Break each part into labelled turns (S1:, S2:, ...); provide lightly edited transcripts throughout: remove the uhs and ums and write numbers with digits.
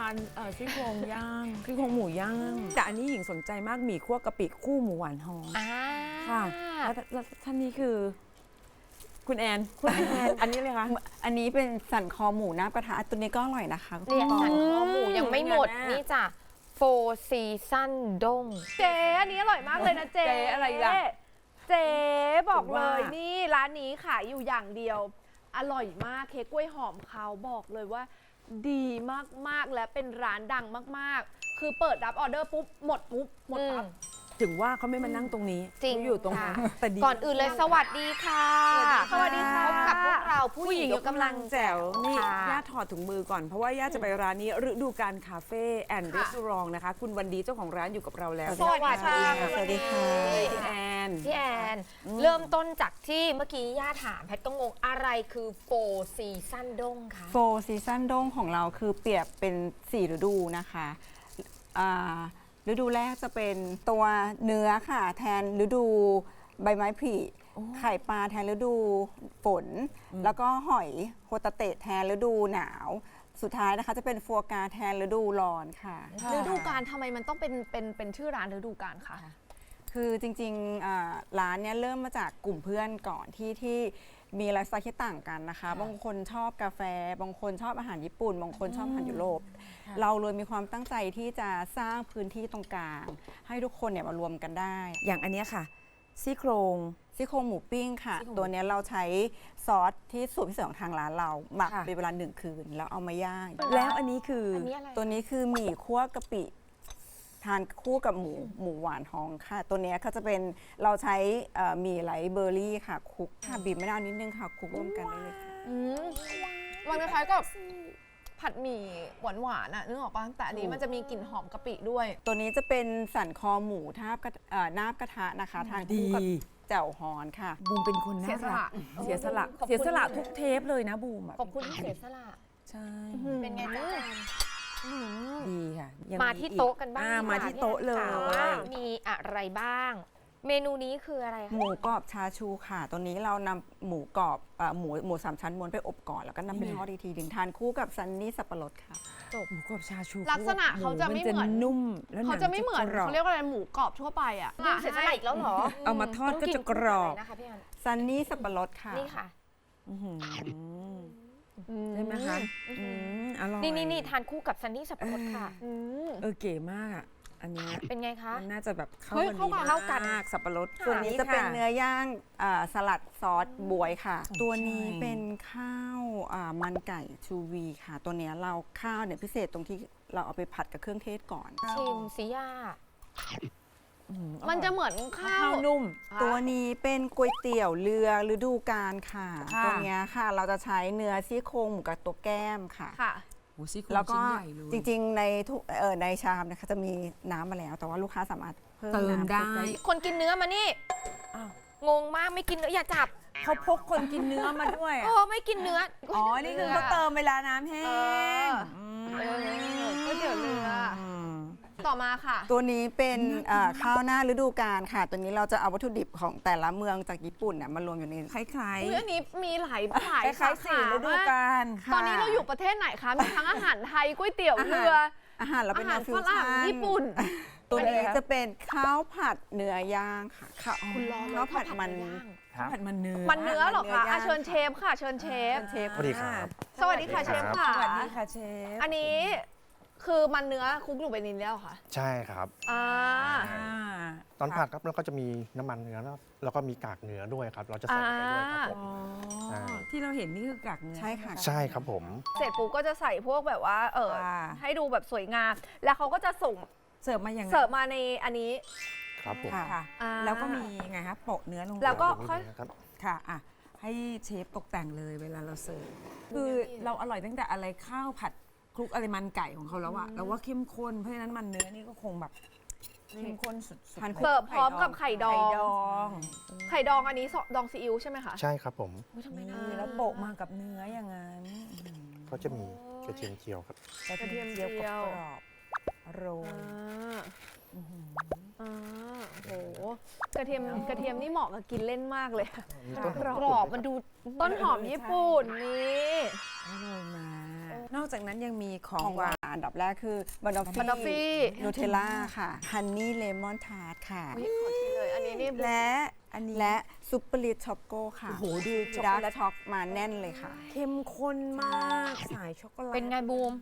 S1: านซี่โครงย่างซี่โครงหมูย่างแต่อันนี้หญิงสนใจมากหมี่คั่วกะปิคู่หมูหวานหอมค่ะแล้วท่านนี้คือคุณแอนอันนี้เลยคะ
S2: อันนี้เป็นสันคอหมูน้ำกระทะตัวนี้ก็อร่อยนะคะ
S3: เนี่ยสันคอหมูยังไม่หมดนี่จ้ะFour Seasons ด้ง
S4: เจ๊อันนี้อร่อยมากเลยนะเจ๊
S1: อะไรล่ะ
S4: เจ๊บอกเลยนี่ร้านนี้ขายอยู่อย่างเดียวอร่อยมากเค้กกล้วยหอมเขาบอกเลยว่าดีมากๆและเป็นร้านดังมากๆคือเปิดรับออเดอร์ปุ๊บหมดปุ๊บหมดปั๊บ
S1: ถึงว่าเขาไม่มานั่งตรงนี้
S3: จริง
S1: อยู่ตรงนั้นแต่ดี
S3: ก่อนอื่นเลยสวัสดีค่ะ
S4: สวัสดีค่ะ
S3: พบกับพวกเราผู้
S1: ผู้
S3: ห
S1: ห
S3: ญิ
S1: ญิ
S3: ง
S1: ง
S3: ย
S1: ย
S3: ก
S1: ก
S3: กำ
S1: กำ
S3: ลั
S1: ลั
S3: ง
S1: งแจ๋วนี่
S3: ค่ะ
S1: ย่าถอดถุงมือก่อนเพราะว่าย่าจะไปร้านนี้ฤดูการคาเฟ่แอนด์รีสอร์ทนะคะคุณวันดีเจ้าของร้านอยู่กับเราแล้ว
S3: สวัสดีค่ะ
S2: สวัสดีค่ะ
S1: พี่แอน
S3: พี่แอนเริ่มต้นจากที่เมื่อกี้ย่าถามแพทก็งงอะไรคือ Four Seasons ด้งคะ
S2: โฟร์ซีซั่นด้งของเราคือเปรียบเป็น4ฤดูนะคะฤดูแรกจะเป็นตัวเนื้อค่ะแทนฤดูใบไม้ผลิไข่ปลาแทนฤดูฝนแล้วก็หอยโฮตาเตะแทนฤดูหนาวสุดท้ายนะคะจะเป็นฟัวกราแทนฤดูร้อนค่ะ
S4: ฤดูกาลทำไมมันต้องเป็นชื่อร้านฤดูกาลคะ
S2: คือจริงๆร้านเนี้ยเริ่มมาจากกลุ่มเพื่อนก่อนที่มีไลฟ์สไตล์ที่ต่างกันนะคะบางคนชอบกาแฟบางคนชอบอาหารญี่ปุ่นบางคนชอบอาหารยุโรปเราเลยมีความตั้งใจที่จะสร้างพื้นที่ตรงกลางให้ทุกคนเนี่ยมารวมกันได้
S1: อย่างอันเนี้ยค่ะซี่โครง
S2: ซี่โครงหมูปิ้งค่ะ ตัวเนี้ยเราใช้ซอสที่สูตรพิเศษของทางร้านเราหมักเป็นเวลา1 คืนแล้วเอามาย่าง
S1: แล้วอันนี้คือ
S3: อันนี้อะไร
S2: ตัวนี้คือหมี่คั่วกะปิทานคู่กับหมูหวานทองค่ะ ตัวเนี้ยก็จะเป็นเราใช้หมี่ไหลเบอร์รี่ค่ะคลุกค่ะบีบมะนาวนิดนึงค่ะคลุกร่วมกันได้เลยค่ะ
S4: มันคล้ายๆกับผัดหมี่หวานๆอ่ะนึกออกป่ะแต่อันนี้มันจะมีกลิ่นหอมกะปิด้วย
S2: ตัวนี้จะเป็นสันคอหมูนาบกระทะนะคะทานคู่กับแจ่วฮอนค่ะ
S1: บูมเป็นคนน่ารักเสียสละทุกเทปเลยนะบูมอะ
S3: ขอบคุณที่เสียสละ
S1: ใช่
S3: เป็นไงบ้าง
S1: ดีค่ะยัง
S3: มาที่โต๊ะกันบ้าง
S1: มาที่โต๊ะเลย
S3: ว่ามีอะไรบ้าง เมนูนี้คืออะไร
S2: หมูกรอบชาชูค่ะ ตัวนี้เรานำหมูกรอบหมูสามชั้นม้วนไปอบก่อนแล้วก็นำไปทอดอีกทีหนึ่งทานคู่กับซันนี่สับปะรดค่ะ
S1: หมูกรอบชาชู
S4: ลักษณะเขาจะไม่เหมือน
S1: นุ่มแล้ว
S4: เขาจะไม่เหมือน
S1: กรอบ
S4: เขาเรียกว่าอะไรหมูกรอบทั่วไปอ่ะ
S3: เสียสละอีกแล้วเหรอ
S1: เอามาทอดก็จะกรอบ
S3: นะคะพี่อัน
S2: ซันนี่สับปะรดค่ะ
S3: นี่ค่ะ
S1: ใช่ไหมคะอร่อย
S3: นี่ทานคู่กับซันนี่สับปะรดค่ะ
S1: เก๋มากอ่ะอันเนี้ย
S3: เป็นไงคะ
S1: มันน่าจะแบบเข้า
S4: เฮ้ย
S1: กัน
S4: เข้า
S1: ดี
S4: กัน
S1: มากสับปะรด
S2: ส่วนนี้จะเป็น
S1: ค่
S2: เนื้อย่างสลัดซอสบวยค่ะ ตัวนี้เป็นข้าวมันไก่ชูวีค่ะ ตัวเนี้ยเราข้าวเนี่ยพิเศษตรงที่เราเอาไปผัดกับเครื่องเทศก่อน
S3: ชิมสิย่า
S4: มันจะเหมือนข้า
S1: ข้าว วนุ่ม
S2: ตัวนี้เป็นก๋วยเตี๋ยวเรือฤดูกาลค่ะ
S1: ค่ะ
S2: ตัวเนี้ยค่ะเราจะใช้เนื้อซี่โครงหมูกับตัวแก้มค่ะ
S4: ค่ะ
S1: โอ้ซี่โครง
S2: แล้วก็
S1: ชิ้นใหญ่เลย
S2: จริงๆในทุกในชามนะคะจะมีน้ำมาแล้ว แต่ว่าลูกค้าสามารถเพิ่ม
S1: เติม
S2: น้ำ
S1: ได้
S3: คนกินเนื้อมานี่
S1: อ้าว
S3: งงมากไม่กินเนื้ออย่าจับ
S1: เขาพกคนกินเนื้อมาด้วย
S3: โอ้ไม่กินเนื้อ
S1: อ๋อ นี่คือเขาเติมเวลาน้ำแห้ง
S4: ก๋วยเตี๋ยวเรือ ต่อมาค่ะ
S2: ตัวนี้เป็นข้าวหน้าฤดูกาลค่ะ ตัวนี้เราจะเอาวัตถุดิบของแต่ละเมืองจากญี่ปุ่นเนี่ยมารวมอยู่ใน
S1: คล้าย
S4: อุ๊ยอันนี้มีหลาย
S1: ๆคล้าย
S4: สา
S1: ๆสี่
S4: ขา
S1: ฤดู
S4: มาก
S1: กาล
S4: ตอนนี้เราอยู่ประเทศไหนคะ มีทั้งอาหารไทยก๋วยเตี๋ยวเรือ
S2: อาหารเรา
S4: อา
S2: เป็น
S4: หาร
S2: แนวฟิ
S4: ฝ
S2: ว
S4: รั่ง
S2: ชั่น
S4: ญี่ปุ่น
S2: ตัวนี้จะเป็นข้าวผัดเนื้อย่างค่ะข้าว
S4: คุณรอเลย
S2: ข้าวผัดมัน
S1: ผัดมันเนื้อ
S4: มันเนื้อเหรอคะ
S2: มันเนื้อย่าง
S4: เชิญเชฟค่ะ เชิญเชฟ
S2: เชฟ
S5: สวัสดีครับ
S4: สวัสดีค่ะเชฟค่ะ
S1: สวัสดีค่ะเชฟ
S4: อันนี้คือมันเนื้อคลุกอยู่ในนี้แล้วเหรอค่ะ
S5: ใช่ครับ
S4: อ่า
S5: ตอนผัดครับแล้วก็จะมีน้ำมันเนื้อแล้วก็มีกากเนื้อด้วยครับ เราจะใส่ไปด้วยครับผม ใช่
S1: ที่เราเห็นนี่คือกากเนื้อ
S2: ใช่ค่ะ
S5: ใช่ครับผม
S4: เสร็จปุ๊บก็จะใส่พวกแบบว่า
S1: ค่ะ
S4: ให้ดูแบบสวยงาม แล้วเขาก็จะส่ง
S1: เสิร์ฟมาอย่างไง
S4: เสิร์ฟมาในอันนี้
S5: ครับผม
S1: ค่ะ
S4: อ่า
S1: แล้วก็มีไงคะโปะเนื้อลงไป
S4: แล้วก็
S5: นิดนึงครับ
S1: ค่ะอ่ะ ให้เชฟตกแต่งเลยเวลาเราเสิร์ฟคือเราอร่อยตั้งแต่อะไรข้าวผัดคลุกอะไรมันไก่ของเขาแล้วอะเราว่าเข้มข้นเพราะฉะนั้นมันเนื้อนี่ก็คงแบบเข้มข้นสุดๆ
S2: ทานคู่
S4: เสิร์ฟพร้อมกับไข่ดอง
S1: ไข่ดอง
S4: ไข่ดองอันนี้ดองซีอิ๊วใช่ไหมคะ
S5: ใช่ครับผม
S3: ทำไมนะ
S1: นี่แล้วโปะมากับเนื้ออย่างนั้น
S5: ก็จะมีกระเทียมเจียวครับ
S1: กระเทียมเจียวกรอบๆโรย
S4: โอ้โหกระเทียมนี่เหมาะกับกินเล่นมากเลย
S5: มีต้นหอม
S4: กรอบมันดูต้นหอมญี่ปุ่นนี่
S1: โรยมานอกจากนั้นยังมีข
S2: ข
S1: อ
S2: อง ง
S1: ห
S2: ห
S1: วาน
S2: วานอันดับแรกคือบานอฟ
S4: บานอฟฟี่
S2: นูเทลล่าค่ะฮันนี่เลมอนทาร์ตค่ะ
S4: นี่ขอชิมเลย อันนี้นี่
S2: และและซุปเปอร์ลิทช็อกโกค่ะ
S1: โอ้โหดูช็อก
S2: ดา
S1: โก
S2: ร์
S1: แล
S2: ก
S1: ต
S2: ช็อกมาแน่นเลยค่ะ
S1: เข้มข้นมากสายช็อกโกแลต
S3: เป็นไงบูม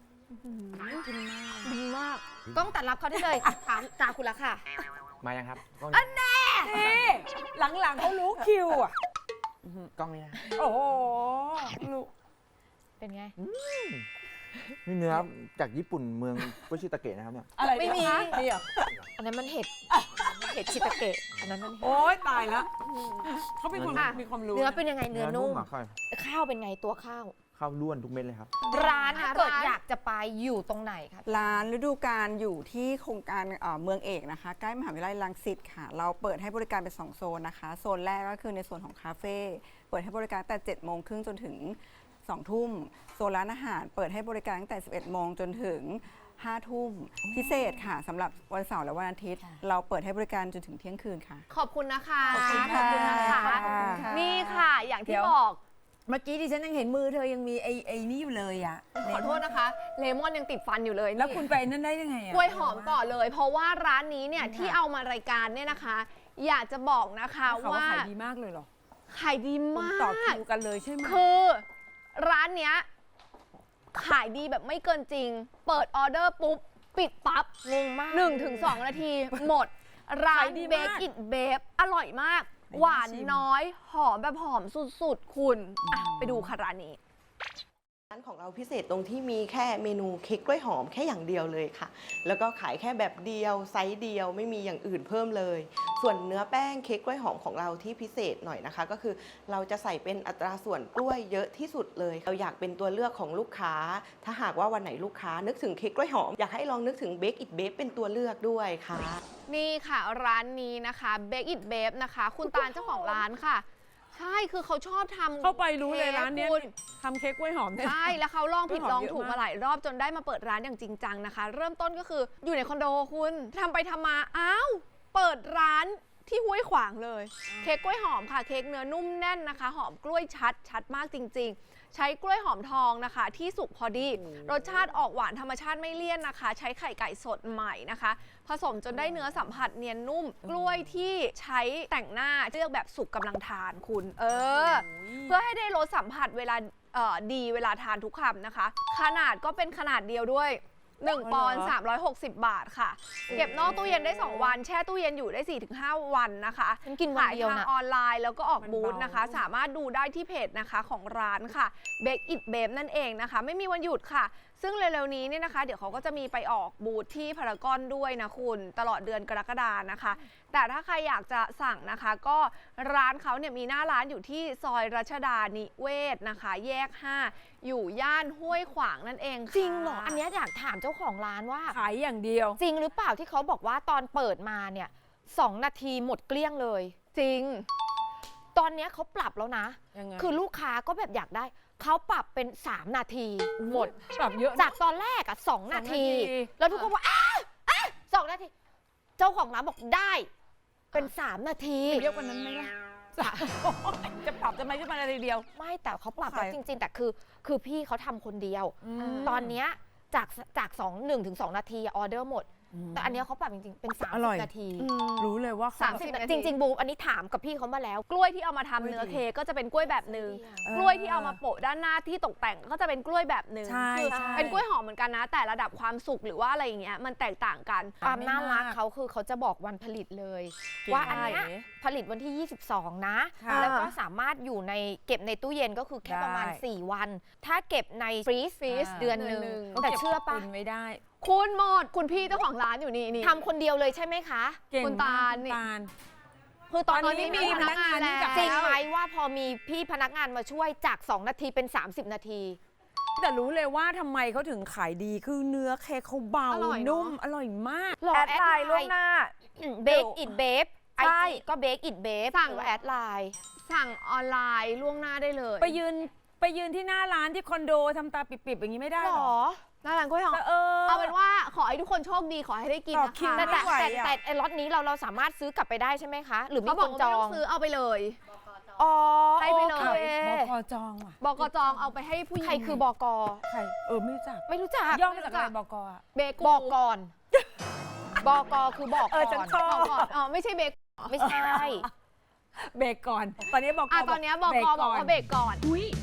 S4: ดีมาก
S3: กล้องตัดรับเขาได้เลย ถามตาคุณละค่ะ
S6: มายังครับกล้อง
S1: นี่หลังๆเขารู้คิวอ่ะ
S6: กล้องนี้นะ
S1: โอ้โหรู้
S3: เป็นไง
S6: นี่เนื้อจากญี่ปุ่นเมืองกุชิตาเกะนะครับเนี่ย
S1: อะไร
S3: ไม่มี
S1: นี่เหรอ
S3: อันนั้นมันเห็ด เห็ดชิตาเกะ อันนั้นมันเห็ด
S1: โอ๊ยตายแล้วเขาเป็นคน
S3: อ่ะ
S1: มีความรู้
S3: เนื้อเป็นยังไงเนื้อนุ่ม
S6: อ่ะค่อย
S3: ข้าวเป็นไงตัวข้าว
S6: ข้าวล้วนทุกเม็ดเลยครับ
S3: ร้านถ้าเกิด
S4: ร้าน
S3: อยากจะไปอยู่ตรงไหนคะ
S2: ร้านฤดูกาลอยู่ที่โครงการเมืองเอกนะคะ ใกล้มหาวิทยาลัยรังสิตค่ะ เราเปิดให้บริการเป็น 2 โซนนะคะ โซนแรกก็คือในส่วนของคาเฟ่เปิดให้บริการแต่7 โมงครึ่งจนถึง 2 ทุ่มโซนร้านอาหารเปิดให้บริการตั้งแต่ 11 โมงจนถึง 5 ทุ่มพิเศษค่ะสำหรับวันเสาร์และวันอาทิตย์ เราเปิดให้บริการจนถึงเที่ยงคืนค่ะ
S4: ขอบคุณนะคะ
S2: ขอบคุณ
S4: ขอบคุณนะคะ
S2: ค่ะขอบคุณค่ะ
S4: นี่ค่ะ อย่าง
S1: เดี๋
S4: ที่
S1: ยว
S4: บอก
S1: เมื่อกี้ดิฉันยังเห็นมือเธอยังมีไอ้นี่อยู่เลยอ่ะ
S4: ขอโทษนะคะ เลมอนยังติดฟันอยู่เลย
S1: แล้ว
S4: นี่
S1: คุณไปนั่นได้ยังไงอ่ะ
S4: กล้วยหอมก่อนเลย เพราะว่าร้านนี้เนี่ยที่เอามารายการเนี่ยนะคะ อยากจะบอกนะคะ
S1: เขาว่า
S4: ว่า
S1: ขายดีมากเลยเหรอ
S4: ขายดี
S1: คุณ
S4: มา
S1: ต่อก คิวกันเลยใช่ไหม
S4: คือร้านเนี้ยขายดีแบบไม่เกินจริง เปิดออเดอร์ปุ๊บ ปิดปั๊บ
S3: งงมาก
S4: 1-2 นาที หมด ร้านเบกอิ t เบฟอร่อยมาก หวานน้อย หอมแบบหอมสุดๆ คุณอ่ะไปดูค่ะร้านนี้
S7: ร้านของเราพิเศษตรงที่มีแค่เมนูเค้กกล้วยหอมแค่อย่างเดียวเลยค่ะ แล้วก็ขายแค่แบบเดียวไซส์เดียวไม่มีอย่างอื่นเพิ่มเลย ส่วนเนื้อแป้งเค้กกล้วยหอมของเราที่พิเศษหน่อยนะคะ ก็คือเราจะใส่เป็นอัตราส่วนกล้วยเยอะที่สุดเลย เราอยากเป็นตัวเลือกของลูกค้า ถ้าหากว่าวันไหนลูกค้านึกถึงเค้กกล้วยหอมอยากให้ลองนึกถึงเบคอิ t เบฟเป็นตัวเลือกด้วยค่ะ
S4: นี่ค่ะร้านนี้นะคะเบกอิ t เบฟนะคะ คุณตาลเจ้าของร้านค่ะ ใช่คือเขาชอบทำ
S1: เข้าไปรู้เลยร้านเนี้ย
S4: คุณ
S1: ทำเค้กกล้วยหอมเนี่ย
S4: ใช่ แล้วเขาลองผิด
S1: กล้วยห
S4: ล
S1: อ
S4: อ
S1: ม
S4: ง
S1: เยอะ
S4: ถูก
S1: มาก
S4: มาหลายรอบจนได้มาเปิดร้านอย่างจริงจังนะคะ เริ่มต้นก็คืออยู่ในคอนโดคุณทำไปทำมาอ้าวเปิดร้านที่ห้วยขวางเลย เค้กกล้วยหอมค่ะ เค้กเนื้อนุ่มแน่นนะคะ หอมกล้วยชัดมากจริง ๆ ใช้กล้วยหอมทองนะคะ ที่สุกพอดี รสชาติออกหวานธรรมชาติไม่เลี่ยนนะคะ ใช้ไข่ไก่สดใหม่นะคะ ผสมจนได้เนื้อสัมผัสเนียนนุ่ม กล้วยที่ใช้แต่งหน้าเลือกแบบสุกกำลังทานคุณ เพื่อให้ได้รสสัมผัสเวลาดีเวลาทานทุกคำนะคะ ขนาดก็เป็นขนาดเดียวด้วย 1 ปอนด์360 บาทค่ะ เก็บนอกตู้เย็นได้ 2 วัน แช่ตู้เย็นอยู่ได้ 4-5 วันนะคะ
S3: ฉันกินวันเดียว
S4: ขายทาง
S3: นะ
S4: ออนไลน์แล้วก็ออกบูธนะคะ สามารถดูได้ที่เพจนะคะของร้านค่ะ Bake It Babe นั่นเองนะคะ ไม่มีวันหยุดค่ะ ซึ่งเร็วๆนี้เนี่ยนะคะ เดี๋ยวเขาก็จะมีไปออกบูธที่พารากอนด้วยนะคุณตลอดเดือนกรกฎานะคะ แต่ถ้าใครอยากจะสั่งนะคะ ก็ร้านเขาเนี่ยมีหน้าร้านอยู่ที่ซอยรัชดานิเวศนะคะ แยก 5 อยู่ย่านห้วยขวางนั่นเองค่ะ
S3: จริงเหรอ อันเนี้ยอยากถามเจ้าของร้านว่า
S1: ขายอย่างเดียว
S3: จริงหรือเปล่าที่เขาบอกว่าตอนเปิดมาเนี่ย2 นาทีหมดเกลี้ยงเลย
S4: จริง
S3: ตอนเนี้ยเขาปรับแล้วนะ
S1: ยังไง
S3: คือลูกค้าก็แบบอยากได้ เขาปรับเป็น 3 นาทีหมด
S1: ปรับเยอะนะ
S3: จากตอนแรกอ่ะ2 นาที
S1: 2 นาที
S3: แล้วทุกคนบอก2 นาที เจ้าของร้านบอกได้เป็น 3 นาที
S1: เยอะกว่านั้นไหมล่ะจะปรับจะไม่ใช่มานาทีเดียว
S3: ไม่แต่เขาปรับ
S1: ขาย
S3: แล้วจริง ๆ แต่คือพี่เขาทำคนเดียว
S1: ม
S3: ตอนเนี้ยจาก1 ถึง 2 นาทีออเดอร์หมด แต่อันเนี้ยเขาปรับจริง ๆ เป็น
S1: อร่อย
S3: 30 นาที
S1: รู้เลยว่า
S4: 30 นาที
S3: จริง ๆ บูมอันนี้ถามกับพี่เขามาแล้ว
S4: กล้วยที่เอามาทำเนื้อเค้กก็จะเป็นกล้วยแบบหนึ่ง กล้วยที่เอามาโปะด้านหน้าที่ตกแต่งก็จะเป็นกล้วยแบบหนึ่ง
S1: ใช่
S4: คือ
S1: ใช่
S4: เป็นกล้วยหอมเหมือนกันนะ แต่ระดับความสุกหรือว่าอะไรอย่างเงี้ยมันแตกต่างกัน
S3: ความน่ารัก
S1: ไม่มาก
S3: เขาคือเขาจะบอกวันผลิตเลย
S1: เก่ง
S3: ว่าอันเนี้ย
S1: มาก
S3: ผลิตวันที่ 22 นะ
S1: ค่ะ
S3: แล้วก็สามารถอยู่ในเก็บในตู้เย็นก็คือแค่ประมาณ
S1: ได้
S3: 4 วัน ถ้าเก็บในฟรีซเดือนหนึ่ง
S4: เดือนหนึ่ง
S3: แต่เชื่อปะ
S1: ก็บไว้ได้
S4: คุณหมดคุณพี่เจ้าของร้านอยู่นี่
S3: ทำคนเดียวเลยใช่ไหมคะ
S1: เก่ง
S4: คุณ
S1: มาก
S4: ตาล
S1: คุณ
S4: นี่
S1: ตาล
S4: คือตอน
S1: ตอนนี้
S4: นี้มีพนักงาน
S1: มีพนักงานนี่
S4: แล้ว
S1: จาก
S3: จริงไหมว่าพอมีพี่พนักงานมาช่วยจาก 2 นาทีเป็น 30 นาที
S1: แต่รู้เลยว่าทำไมเขาถึงขายดีคือเนื้อเค้กเขาเบา
S4: อร่อยเนอะ
S1: นุ่มอร่อยมาก
S3: หรอ
S4: แอดไลน์ล่วงหน้า
S3: เบคอิดเบฟไอ
S4: ใช่
S3: จีก็เบคอิดเบฟ
S4: สั่ง
S3: หรือว่าแอดไลน์
S4: สั่งออนไลน์ล่วงหน้าได้เลย
S1: ไปยืนที่หน้าร้านที่คอนโดทำตาปิบๆอย่างนี้ไม่ได้
S3: หร
S1: หรอ
S3: อ
S4: หน้าร้านกล้วยหอม
S1: แต่
S4: เอาเป็นว่าขอให้ทุกคนโชคดีขอให้ได้กิน
S1: ต่อ
S4: นะ
S1: คิว
S4: คะ
S1: ไม่
S3: แต่
S1: ไหวอะ
S3: แต่ไอ้ล็อตนี้เราสามารถซื้อกลับไปได้ใช่ไหมคะ หรือมี
S4: เขา
S3: ค
S4: บอก
S3: น
S4: ว่า
S3: จ
S4: ไม่
S3: อ
S4: ต้อง งซื้อเอาไปเลย
S3: อ๋อ
S4: ให้ไปเลย
S3: โอเค
S1: บกจองว่ะ
S4: บกจองเอาไปให้ผู้หญิง
S3: ใครคือบก
S1: ใครไม่รู้จัก
S3: ไม่รู้จัก
S1: ย่อมาจากอะไรบกอ่ะ
S4: เบกู
S3: บอกก่อนบกคือบอก
S1: ฉัน
S3: ก่อน
S1: ชอบ
S4: บอกก่อนอ๋อไม่ใช่เบก
S3: ไม่ใช่
S1: เบรกก่อน ตอนนี้บก
S4: ตอนเนี้ยบกบอกว่าเบรกก่อน
S1: อุ้ย